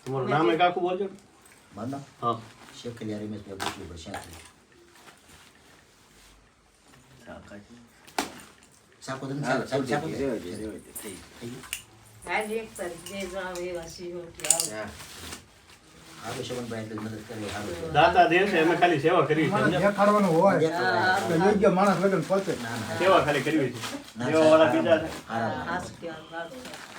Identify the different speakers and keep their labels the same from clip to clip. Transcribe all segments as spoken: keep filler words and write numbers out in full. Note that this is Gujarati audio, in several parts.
Speaker 1: તમારું નામ એક આખું બોલજો.
Speaker 2: મારું નામ
Speaker 1: હા
Speaker 2: શેખલિયા રમેશભાઈ બુકલી પર શ્યાંથી. સાકો દન સાકો સાકો સાકો થઈ ગયું.
Speaker 3: આજે એક તારીખ જે જાવ એવા સીઓ કે આવો.
Speaker 2: આગળ શોભનભાઈ એટલે મદદ કરી સારું.
Speaker 1: દાતા દેવ છે અમે ખાલી સેવા કરવી છે. સમજ્યા?
Speaker 4: દેખાડવાનું હોય એટલે યોગ્ય માણસ લગન પહોંચે.
Speaker 2: ના ના
Speaker 1: સેવા ખાલી કરવી છે.
Speaker 2: ના,
Speaker 1: સેવા વાળા બીજા છે.
Speaker 2: હારા.
Speaker 3: હાસ કે વાત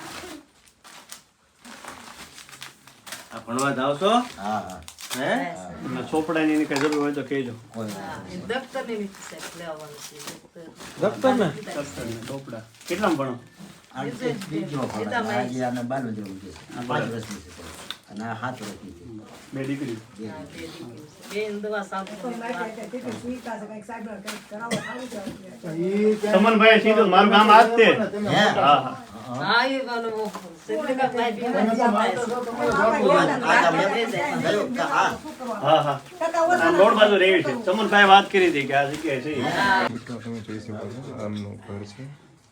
Speaker 5: આ ભણવા જાવ છો
Speaker 2: હા હા
Speaker 5: હે
Speaker 1: અને ચોપડાની એની કઈ જરૂર હોય તો કહેજો.
Speaker 2: કોઈ
Speaker 3: એ દફતર ની વિશે સાહેબ લેવાનું છે દફતર.
Speaker 1: દફતર ને દફતર ને ચોપડા કેટલામાં ભણો?
Speaker 2: આ બીજો ભણા આજે આને બારમું ધોરણ છે. આ પાંચ વર્ષની છે અને આ સાત વર્ષની છે.
Speaker 1: બે દીકરી.
Speaker 3: હા, બે દીકરીઓ છે. બેન દવા સાંભળો.
Speaker 4: ઈ કે
Speaker 1: સમનભાઈ સીધું મારું ગામ આ જ તે.
Speaker 2: હે
Speaker 1: હા હા
Speaker 3: હા એ બનો સિદ્ધિકા ભાઈ બી મજા
Speaker 2: ગયો કે આ
Speaker 1: હા હા આ રોડ બાજુ રહેવી છે. સમનભાઈ વાત કરી હતી કે આ જગ્યાએ છે.
Speaker 6: મિત્રો તમે જોઈ શકો છો આમનું ઘર છે.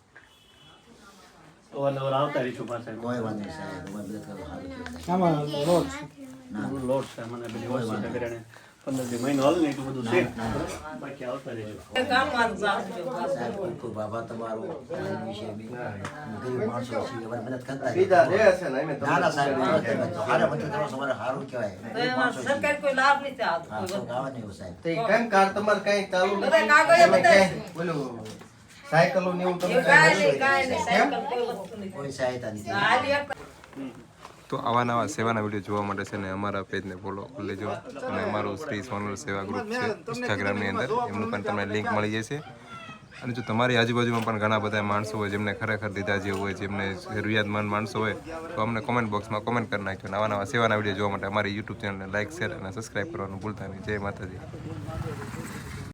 Speaker 1: અવારનવાર આવતા રહીશું પાછા.
Speaker 2: કોઈ વાત નહીં સાહેબ તમારી મદદ કરો સારું છે.
Speaker 4: આમાં લોટ
Speaker 2: ના
Speaker 1: લોટ છે મને બધી વસ્તુ છે કરીને પંદર દી મહિનો હાલ ને એટલું બધું છે. બાકી આવતા રહીશું.
Speaker 3: કામ માં જાવ
Speaker 2: સાહેબ ખૂબ ખૂબ આભાર તમારો આ વિશે બી ગરીબ માણસો છીએ અમારી મદદ કરતા
Speaker 5: બીજા રે છે ને અમે
Speaker 2: ના ના સાહેબ હારે મદદ કરો તમારે સારું કહેવાય ગરીબ માણસો છીએ.
Speaker 3: સરકાર કોઈ લાભ નથી આવતો
Speaker 2: હા
Speaker 3: કોઈ
Speaker 2: તો ગાવા નહીં સાહેબ
Speaker 5: તે કેમ કાર તમારે કઈ ચાલુ
Speaker 3: બધા કાગળિયા
Speaker 5: તમે
Speaker 3: બધા
Speaker 5: કઈ ઓલું સાયકલો ને એવું તમે
Speaker 3: એવું કાંઈ નહીં કાંઈ નહીં સાયકલ કોઈ વસ્તુ નથી
Speaker 2: કોઈ સહાયતા નથી
Speaker 3: હાલી એક
Speaker 6: તો આવા નવા સેવાના વિડીયો જોવા માટે છે ને અમારા પેજને ફોલો કરી લેજો અને અમારું શ્રી સોનલ સેવા ગ્રુપ છે ઇન્સ્ટાગ્રામની અંદર એમનું પણ તમને લિંક મળી જશે. અને જો તમારી આજુબાજુમાં પણ ઘણા બધા માણસો હોય જેમને ખરેખર દીધા જેવું હોય જેમને જરૂરિયાતમંદ માણસો હોય તો અમને કોમેન્ટ બોક્સમાં કોમેન્ટ કરી નાખજો. નવા નવા સેવાના વિડીયો જોવા માટે અમારી યુટ્યુબ ચેનલને લાઇક શેર અને સબસ્ક્રાઈબ કરવાનું ભૂલતા નહીં. જય માતાજી.